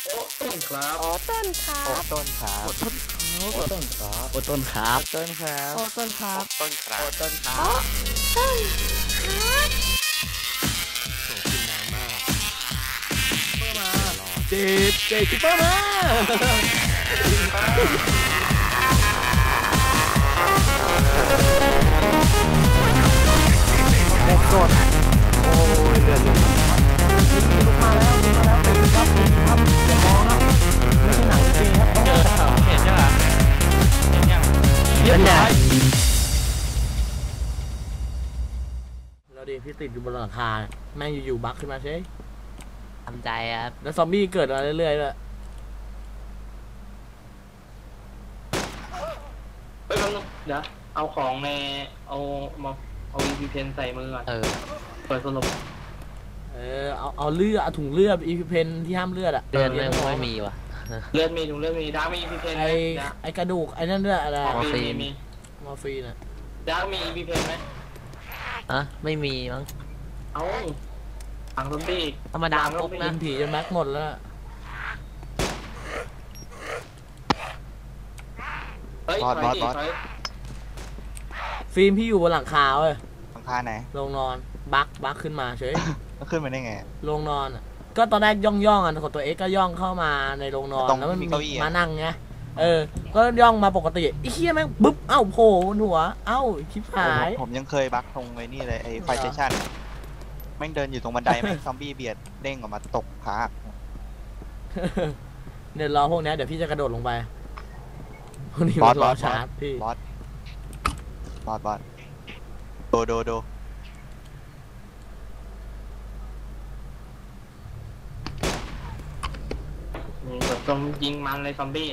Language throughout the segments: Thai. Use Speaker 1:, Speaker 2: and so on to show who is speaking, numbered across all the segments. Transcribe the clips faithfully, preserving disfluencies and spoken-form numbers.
Speaker 1: โอ้ต้นครับ
Speaker 2: โอ้ต้นครับ
Speaker 3: โอ้ต้นครับ
Speaker 1: โอ้ต้นครับโอ้ต้นครับ
Speaker 3: โอ้ต้นครับ
Speaker 2: ต้นครับ
Speaker 3: โอ้ต้นครับ
Speaker 4: ต้นครับ
Speaker 3: โอ้ต้นครับ
Speaker 2: โอ้ต้นครับ
Speaker 1: โอ้กินน้ำมาก
Speaker 3: เพิ่มมาเจ็ดเจ็ดคิปเปอร์มาเด็กสดโอ้ยเลือดลุกลุกมาแล้วลุกมาแล้วเป็นครับเป็นครับอย่ามองครับไม่ใช่หนังจริงครับเจอแล้วเห็นยังเห็นยังเห็นยังแล้วดิพี่ติดอยู่บนหลังคาแม่งอยู่ๆบั๊กขึ้นมาใช่ทำใจครับแล้วซอมบี้เกิดมาเรื่อยๆเลย
Speaker 1: ไปแป๊บนึงเดี๋ยวเอาของในเอามาเอาอีพีเพนใส่มือก่อนเออเปิดสรุป
Speaker 3: เออเอาเอาเลือดเอาถุงเลือดอีพีเพนที่ห้ามเลือดอะ
Speaker 4: เลือดไม่ไม่มีว่ะ
Speaker 1: เลือดมีถุงเลือดมีดาร์กมีอีพีเพนไหม
Speaker 3: ไอไอกระดูกไอ้นั่นด้วยอะไร
Speaker 1: มอร์ฟีนมี
Speaker 3: มอร์ฟีนอะ
Speaker 1: ดาร์กมีอีพีเพนไหม
Speaker 4: อะไม่มีมั้ง
Speaker 1: เอาถังซอมบี้
Speaker 4: ธรรมดาครบ
Speaker 3: กิ
Speaker 4: นะ
Speaker 3: นผีจนแม็กหมดแล้ว
Speaker 1: เฮ้ยถอยดิถอย
Speaker 3: ฟิล์มพี่อยู่บนหลังคาเว้ย
Speaker 5: หลังคาไหน
Speaker 3: ลงนอนบั๊กบั๊กขึ้นมาเฉย
Speaker 5: มันขึ้นมาได้ไง
Speaker 3: ลงนอนอะก็ตอนแรกย่องย่องอ่ะกดตัวเอ็กก็ย่องเข้ามาในโรงนอน
Speaker 5: ตรง
Speaker 3: แล้วมัน
Speaker 5: มี
Speaker 3: มี
Speaker 5: เก้าอี้อะ
Speaker 3: มานั่งไงเออ ก็ย่องมาปกติไอ้เหี้ยแม่งบึ๊บเอ้าโผล่บนหัวเอ้าชิบหาย
Speaker 5: ผมผมยังเคยบักตรงไอ้นี่เลยไอ้ไฟสเตชันแม่งเดินอยู่ตรงบันได แม่งซอมบี้เบียดเด้งออกมาตกขา
Speaker 3: เดี๋ยวรอพวกนี้เดี๋ยวพี่จะกระโดดลงไปพวกนี้มันรอชาร์จพี่
Speaker 5: บอสบอสบอสโดโดโด
Speaker 1: นี่แบบตรงยิงมันเลยซอมบี้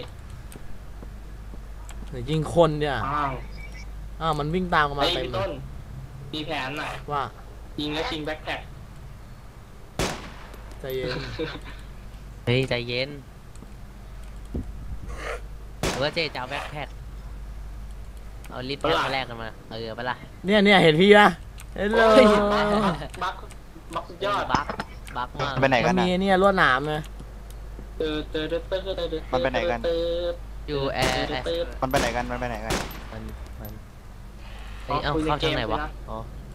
Speaker 3: เดี๋ยวยิงคนเนี่ย
Speaker 1: อ้าว
Speaker 3: อ้าวมันวิ่งตามกันมา
Speaker 1: ไอ้
Speaker 3: เต็ม
Speaker 1: พี่ต้นมีแผนน่ะ
Speaker 3: ว่า
Speaker 1: ยิงแล้วชิงแบ็คแท็ก
Speaker 3: ใจเย็น
Speaker 4: เฮ้ยใจเย็นหรือว่าเจ๊จะเอาแบ็คแพ็คเอาลิฟต์แพ็คมาแลกกันมาเออไปละ
Speaker 3: เนี่ยเนี่ยเห็นพี่ปะเห็นเลย
Speaker 1: บักบักสุดยอด
Speaker 4: บักบักมาก
Speaker 5: ไปไหน
Speaker 3: มั
Speaker 5: กัน น
Speaker 3: มี
Speaker 5: อ่ะ
Speaker 3: เนี่ยลวดหนามเลย
Speaker 1: เติร์ดเติร์ดเติร์ดเติร์ดเติร์ด
Speaker 5: มันไปไหนกัน
Speaker 1: เติร์ด
Speaker 4: อยู่แอร์แอร์
Speaker 1: เติร์ด
Speaker 5: มันไปไหนกันมันไปไหนกัน
Speaker 4: มันมันเฮ้ยเอาเข้าทางไหนวะอ๋อ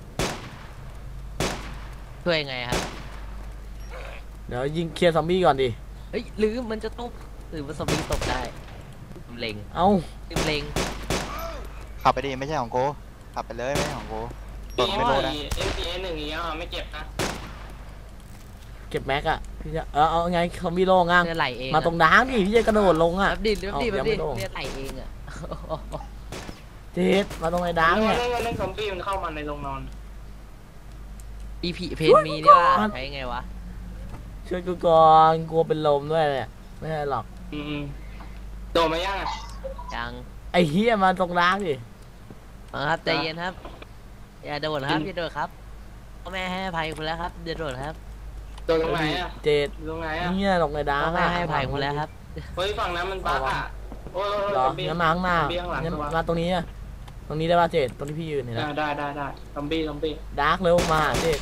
Speaker 4: ช่วยไงครับ
Speaker 3: เดี๋ยวยิงเคลียร์ซอมบี้ก่อนดิ
Speaker 4: เฮ้ยหรือมันจะตกหรือมันสวิงตกได้เล็ง
Speaker 3: เอ้า
Speaker 4: เล็ง
Speaker 5: ขับไปดิไม่ใช่ของโกขับไปเลยไม่ใช่ของโกต
Speaker 1: ปี
Speaker 5: ก
Speaker 1: นี้
Speaker 5: ไม่
Speaker 1: ว่า
Speaker 5: รู้นะ
Speaker 1: เอ็มพีเอหนึ่งอย่างเงี้ยไม่เจ็บนะ
Speaker 3: เก็บแม็กอะพี่จะเออเอาไงซอมบี้โล่งอ่ะ
Speaker 4: เลือดไหลเอง
Speaker 3: มาตรงดางดิพี่จะกระโดดลงอ่ะ
Speaker 4: แบบดิแบบดิแบบดิ
Speaker 3: เอายังไม่โดน
Speaker 4: เลือดไหลเองอ่ะ
Speaker 3: เจ็ดมาตรงไอ้ดาง
Speaker 1: เล่
Speaker 3: เนี่ย
Speaker 1: นเล่นซอมบี้มันเข้ามาในโรงนอน
Speaker 4: อีพีเพนมีนี่ว่าใช้ไงวะ
Speaker 3: ช่วยกูก่อนกลัวเป็นลมด้วยเนี่ยไม่ใช่หรอก
Speaker 1: อืมโดนมายังอ่ะ
Speaker 4: ยัง
Speaker 3: ไอ้เฮียมาตรงดางดิ
Speaker 4: เอาครับใจเย็นครับอย่าโดดครับอย่าโดดครับพ่อแม่ให้อภัยคุณแล้วครับอย่าโดดครับ
Speaker 1: โดนตรงไหนอ่ะ
Speaker 3: เจ็ด
Speaker 1: ตรงไหนอ่ะ
Speaker 3: เนี่ยตรงไอ้ดา
Speaker 4: พ่อง แม่
Speaker 3: อะ
Speaker 4: ให้อภัยคุณแล้วครับ
Speaker 1: เฮ้ยฝั่งนั้นมันบั๊กอ่ะโอ้ย
Speaker 3: เหรองั้นมาข้างหน้า
Speaker 1: ซอมบี้ข้างหลัง
Speaker 3: งั้น
Speaker 1: ตัว
Speaker 3: มาตรงนี้อะตรงนี้ได้ป่ะเจ็ดตรงที่พี่ยืนเนี่ยนะ
Speaker 1: ได้ได้ได้ซอมบี้ซอมบี้
Speaker 3: ดาร์กเร็วมาเจ็ด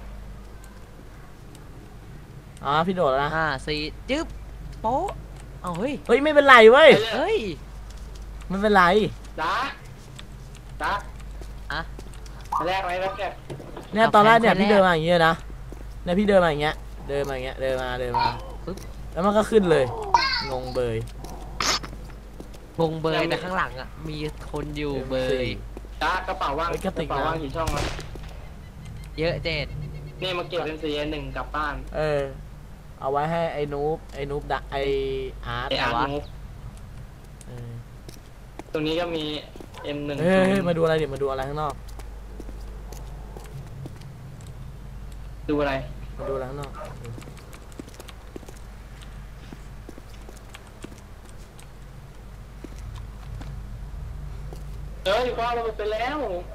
Speaker 3: อ๋อพี่โดดแล้วนะ
Speaker 4: ห้าสี่จึ๊บโป๊ะเอาเฮ้ย
Speaker 3: เฮ้ยไม่เป็นไรเว้ย
Speaker 4: เฮ้ย
Speaker 3: ไม่เป็นไร
Speaker 1: ดักดัก
Speaker 4: อะ
Speaker 1: แรกไหมแรกแรก
Speaker 3: เนี่ยตอนแรกเนี่ยพี่เดินมาอย่างเงี้ยนะเนี่ยพี่เดินมาอย่างเงี้ยเดินมาอย่างเงี้ยเดินมาเดินมาปึ๊บแล้วมันก็ขึ้นเลยงงเบย
Speaker 4: วงเบยแต่ข้างหลังอ่ะมีคนอยู่เบย
Speaker 1: ดักกระเป๋าว่างกระเป๋าว่างกี่ช่องวะ
Speaker 4: เยอะเจ็ด
Speaker 1: นี่มาเก็บเป็นสีหนึ่งกลับบ้าน
Speaker 3: เออเอาไว้ให้ไอ้นูบไอ้นูบดักไอ้อาร์ต
Speaker 1: ไออาร์ตนุ๊ก
Speaker 3: เออ
Speaker 1: ตรงนี้ก็มี เอ็ม หนึ่ง
Speaker 3: เฮ้ยเฮ้ยมาดูอะไรดิมาดูอะไรข้างนอก
Speaker 1: ดูอะไร
Speaker 3: มาดูอะไรข้างนอก
Speaker 1: เอ้ยคว้างเราไปแล้ว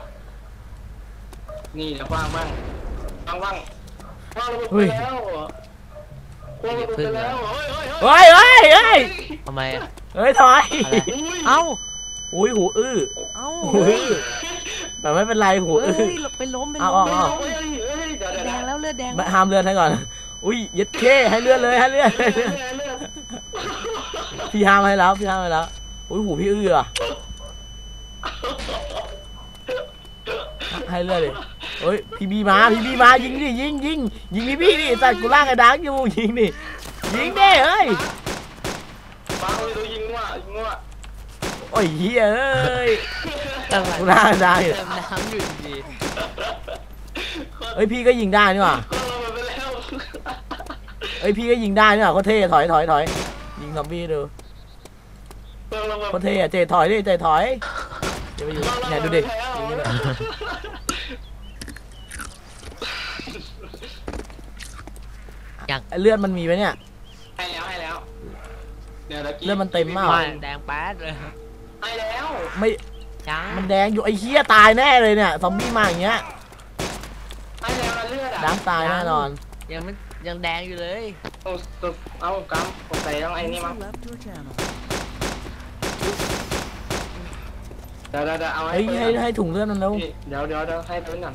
Speaker 1: นี่จะคว้างบ้างคว้างบ้างคว้างเราไปแล้วคว้างเราไปแล้วเฮ้ยเฮ้ย
Speaker 3: เฮ้ยเฮ้ยเฮ้ย
Speaker 4: ทำไมอะ
Speaker 3: เฮ้ยถอย
Speaker 4: อะไร
Speaker 1: อุ้ย
Speaker 4: เอ้า
Speaker 3: อุ้ยหูอื้อ
Speaker 4: เอ้า
Speaker 3: หูอื้อแต่ไม่เป็นไรหู
Speaker 4: เฮ้
Speaker 3: อื้อย
Speaker 4: ไปล้มไป
Speaker 3: เอา
Speaker 4: ล้ม
Speaker 3: เอา
Speaker 1: เฮ้ยเฮ้ยเดี๋ยว
Speaker 4: เลือด
Speaker 1: เดี๋ยว
Speaker 4: แดงแล้วเลือดแดง
Speaker 3: ไม่ห้ามเลือดให้ก่อนอุ้ยยึดเข้ให้เลือดเลยให้เลือด
Speaker 1: เลือดเลือด
Speaker 3: พี่ห้ามให้แล้วพี่ห้ามให้แล้วอุ้ยหูพี่อื้ออะให้เลือดเลยเฮ้ยพี่บีมาพี่บีมายิงดิยิงยิงยิงพี่พี่ดิสัตว์กูล่างไอ้ดังอยู่ยิงดิยิงดิเฮ้ย
Speaker 1: ฟังเลยตัวยิงว่ะยิงว่ะ
Speaker 3: โอ้ยเฮ้ยเอ้ย
Speaker 4: เติม
Speaker 3: กูล่างได้
Speaker 4: น้ำอยู่ดี
Speaker 3: เฮ้ยพี่ก็ยิงได้นี่หว่า
Speaker 1: ก็ลงไปแล้ว
Speaker 3: เฮ้ยพี่ก็ยิงได้นี่หว่าโคตรเท่ถอยถอยถอยยิงซอมบี้ดู
Speaker 1: ก็ลงไป
Speaker 3: โคตรเท่อะเจถอยดิเจถอยเดี๋ยวไปอยู่เนี่ยดูดิยิงดิไอ้เลือดมันมีไหมเนี่ย
Speaker 1: ให้แล้วให้แล้วเดี๋ยวตะกี้
Speaker 3: เลือดมันเต็มมาก
Speaker 4: ไม่แดงแป๊ดเลย
Speaker 1: ให้แล้ว
Speaker 3: ไม่
Speaker 4: ยัง
Speaker 3: มันแดงอยู่ไอ้เหี้ยตายแน่เลยเนี่ยซอมบี้มาอย่างเงี้ย
Speaker 1: ให้แล้วนะเลือดอ่ะ
Speaker 3: น้ำตายแน่นอน
Speaker 4: ยังไม่ยังแดงอยู่เลย
Speaker 1: เอาเอากำผมใส่ต้องไอ้นี่มั้งเดี๋ยวเดี๋ยวเดี๋ยวเอา
Speaker 3: เฮ้ยให้ให้ถุงเลือดมันแล้ว
Speaker 1: เดี๋ยวเดี๋ยวเดี๋ยวให้เพิ่นก่อน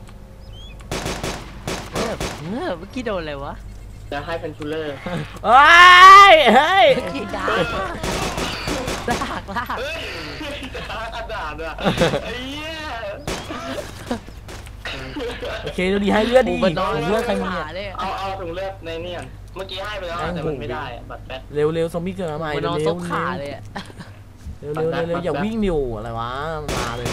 Speaker 4: เออเออเมื่อกี้โดนอะไรวะ
Speaker 1: เดี๋ยวให้เป็นชูลเลอร์
Speaker 3: เฮ้ยเฮ้ย
Speaker 4: เมื่อกี้ดาลากลาก
Speaker 1: เฮ้ยกระดาษอ่ะไอ้เหี้ย
Speaker 3: โอเคดูดีให้เลือดดี
Speaker 4: โอ้โหมันน้
Speaker 3: ถุ
Speaker 4: อย
Speaker 3: งเลือดใครมี
Speaker 4: ขา
Speaker 3: เนี่ย
Speaker 4: เลย
Speaker 1: เอาเอาถุงเลือดในนี่ก่อนเมื่อกี้ให้ไปแล้วอะแต่มันไม่ได้อะบัตรแป๊ด
Speaker 3: เร็วเร็วซอมบี้เกิดมาใหม่
Speaker 4: มัน
Speaker 3: เร็
Speaker 4: น
Speaker 3: ว
Speaker 4: อน
Speaker 3: เร็
Speaker 4: ซ
Speaker 3: ว
Speaker 4: บขาเลยอะ
Speaker 3: เร็วเร็วเร็วเร็วอย่าวิ่งอยู่อะไรวะมาเลย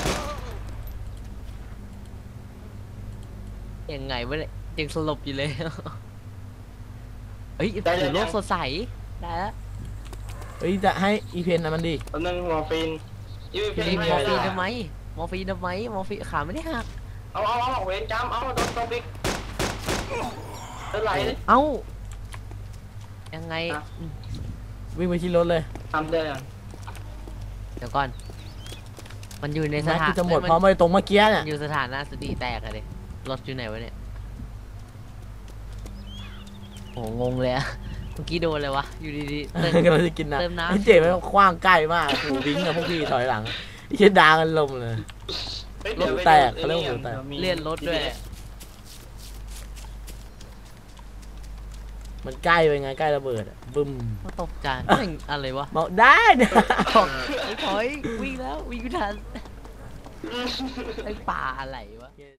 Speaker 4: ยังไงวะเนี่ยยังสลบอยู่เลยเฮ้ยถือโลกสดใสได้แล้ว
Speaker 3: เฮ้ยจะให้อีเพนนะมันดี
Speaker 1: ตอนนึงมอร์ฟีนยูเพ
Speaker 4: มี
Speaker 1: น
Speaker 4: มอร์ฟีน
Speaker 1: ให้
Speaker 4: ทำไมมอร์ฟีนทำไมมอร์ฟีนขาไม่ได้หัก
Speaker 1: เอาเอาเอาเวนจำเอาโดนตัวบิ๊กเท่าไหร่
Speaker 4: เอ้ายังไง
Speaker 3: วิ่งไปที่รถเลย
Speaker 1: ทำได้ยัง
Speaker 4: เดี๋ยวก่อน มันอยู่ในส
Speaker 3: แม็ก
Speaker 4: ถา
Speaker 3: กู
Speaker 4: น
Speaker 3: จะหมด
Speaker 4: มัน
Speaker 3: พร้อมไปตรงเมื่อกี้เนี่ย
Speaker 4: อยู่สถานะสติแตกอะดิรถอยู่ไหนวะเนี่ยโอ้งงเลยอะเมื่อกี้โดนอะไรวะอยู่ดีๆเติม
Speaker 3: กำลังจะกินน้ำ
Speaker 4: เติมน้ำ
Speaker 3: ไอ้เจ๋มันคว้างใกล้มากโอ้โหวิ่งกับพวกพี่ถอยหลังไอ้เชี่ยดากันลมเลย รถแตกเขาเรียกว่าหัวแตก
Speaker 4: เลื่อนรถด้วย
Speaker 3: มันใกล้ไปไงใกล้ระเบิดอะบึ้ม
Speaker 4: ก็ตกใจเอ้ยอะไรวะ
Speaker 3: บอกได้นะ
Speaker 4: ไอ้ถอยวิ่งแล้ววิ่งไม่ทันไอ้ป่าอะไรวะ